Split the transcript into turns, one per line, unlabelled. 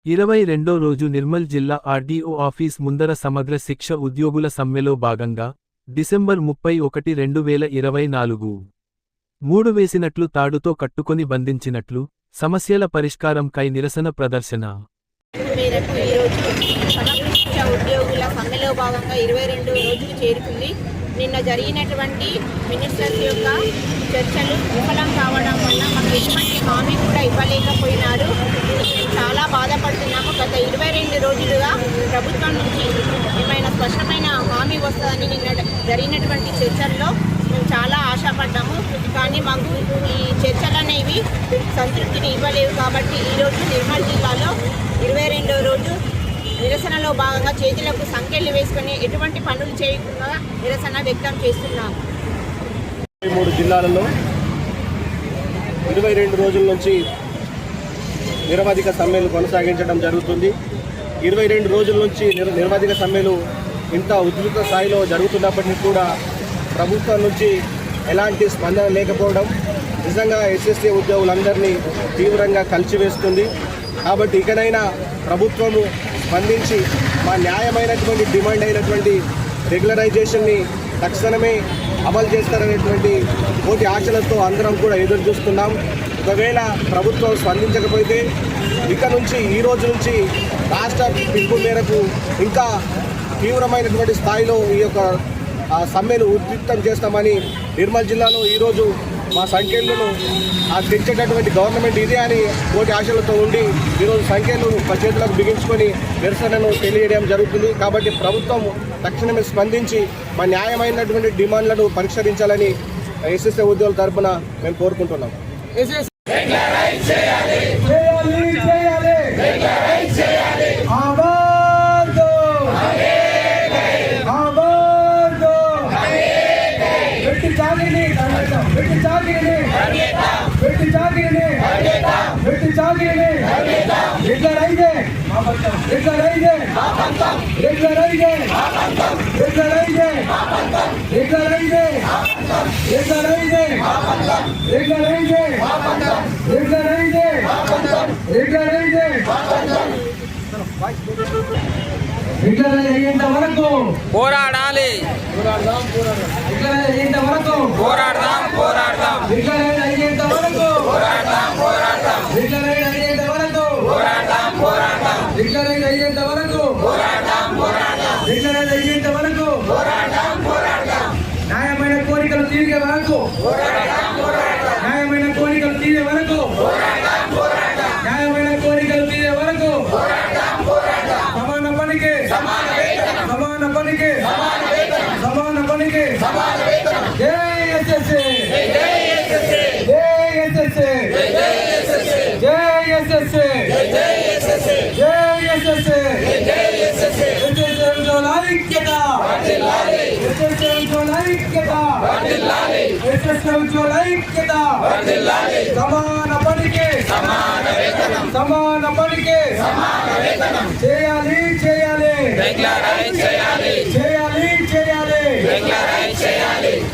22వ రోజు నిర్మల్ జిల్లా RDO office ముందర సమగ్ర శిక్ష ఉద్యోగుల సమ్మెలో భాగంగా డిసెంబర్ 31, 2024 మూడు వేసినట్లు తాడుతో కట్టుకొని బంధించినట్లు సమస్యల పరిష్కారం కై నిరసన ప్రదర్శన
మేరకు ఈరోజు సమగ్ర శిక్ష ఉద్యోగుల సమ్మెలో భాగంగా 22 రోజులు చేరుకుంది. నిన్న జరిగినటువంటి మినిస్టర్స్ యొక్క చర్చలు విఫలం కావడం వల్ల మాకు ఎటువంటి హామీ కూడా ఇవ్వలేకపోయినారు. మేము చాలా బాధపడుతున్నాము. గత 22 రోజులుగా ప్రభుత్వం నుంచి ఏమైనా స్పష్టమైన హామీ వస్తుందని నిన్న జరిగినటువంటి చర్చల్లో మేము చాలా ఆశపడ్డాము. కానీ మాకు ఈ చర్చలు అనేవి సంతృప్తిని ఇవ్వలేవు. కాబట్టి ఈరోజు నిర్మల్ జిల్లాలో 22వ రోజు నిరసనలో భాగంగా చేతులకు సంకెళ్లు వేసుకుని ఎటువంటి పనులు చేయకుండా నిరసన వ్యక్తం చేస్తున్నాము.
3 జిల్లాలలో 22 రోజుల నుంచి నిరవధిక సమ్మెలు కొనసాగించడం జరుగుతుంది. 22 రోజుల నుంచి నిరవధిక సమ్మెలు ఇంత ఉధృత స్థాయిలో జరుగుతున్నప్పటికీ కూడా ప్రభుత్వం నుంచి ఎలాంటి స్పందన లేకపోవడం నిజంగా ఎస్ఎస్ఏ ఉద్యోగులందరినీ తీవ్రంగా కలిచివేస్తుంది. కాబట్టి ఇకనైనా ప్రభుత్వము స్పందించి మా న్యాయమైనటువంటి డిమాండ్ అయినటువంటి రెగ్యులరైజేషన్ని తక్షణమే అమలు చేస్తారనేటువంటి కోటి ఆశలతో అందరం కూడా ఎదురు చూస్తున్నాం. ఒకవేళ ప్రభుత్వం స్పందించకపోతే ఇక నుంచి ఈ రోజు నుంచి రాష్ట్ర పిలుపు మేరకు ఇంకా తీవ్రమైనటువంటి స్థాయిలో ఈ యొక్క సమ్మెను ఉధృతం చేస్తామని నిర్మల్ జిల్లాలో ఈరోజు మా సంఖ్యలను తెచ్చేటటువంటి గవర్నమెంట్ ఇదే అని కోటి ఆశలతో ఉండి ఈరోజు సంఖ్యలు చేతులకు బిగించుకొని నిరసనను తెలియడం జరుగుతుంది. కాబట్టి ప్రభుత్వం తక్షణమే స్పందించి మా న్యాయమైనటువంటి డిమాండ్లను పరిష్కరించాలని ఎస్ఎస్ఏ ఉద్యోగుల తరఫున మేము కోరుకుంటున్నాం.
పోరాడాలి,
అయ్యేంత వరకు
పోరాడదాం, పోరాడదాం,
అయ్యేంత వరకు
పోరాడదాం, పోరాడదాం,
అయ్యేంత వరకు
పోరాడదాం, పోరాడదాం,
అయ్యేంత వరకు
పోరాడదాం, పోరాడదాం,
అయ్యేంత వరకు
పోరాడదాం, పోరాడదాం,
న్యాయమైన కోరికలు తీరే వరకు
పోరాడదాం, పోరాడదాం,
న్యాయమైన కోరికలు తీరే వరకు
పోరాడదాం, పోరాడదాం,
న్యాయమైన కోరికలు తీరే వరకు
పోరాడదాం, పోరాడదాం,
సమాన పనికి
సమాన వేతనం,
సమాన పనికి
సమాన వేతనం,
సమాన పనికి
సమాన వేతనం,
జై ఎస్ఎస్ఏ,
జై ఎస్ఎస్ఏ,
జై ఎస్ఎస్ఏ,
జై ఎస్ఎస్ఏ,
జై ఎస్ఎస్ఏ,
జై ఎస్ఎస్ఏ,
జై ఎస్ఎస్ఏ,
జై ఎస్ఎస్ఏ,
ఎస్ఎస్ఏ ఐక్యత,
వర్ధిల్లాలి,
ఎస్ఎస్ఏ ఐక్యత,
వర్ధిల్లాలి,
ఎస్ఎస్ఏ ఐక్యత,
వర్ధిల్లాలి,
సమాన పనికి
సమాన వేతనం,
సమాన పనికి
సమాన వేతనం,
చేయాలి చేయాలి
రెగ్యులరైజ్ చేయాలి,
చేయాలి చేయాలి
రెగ్యులరైజ్ చేయాలి,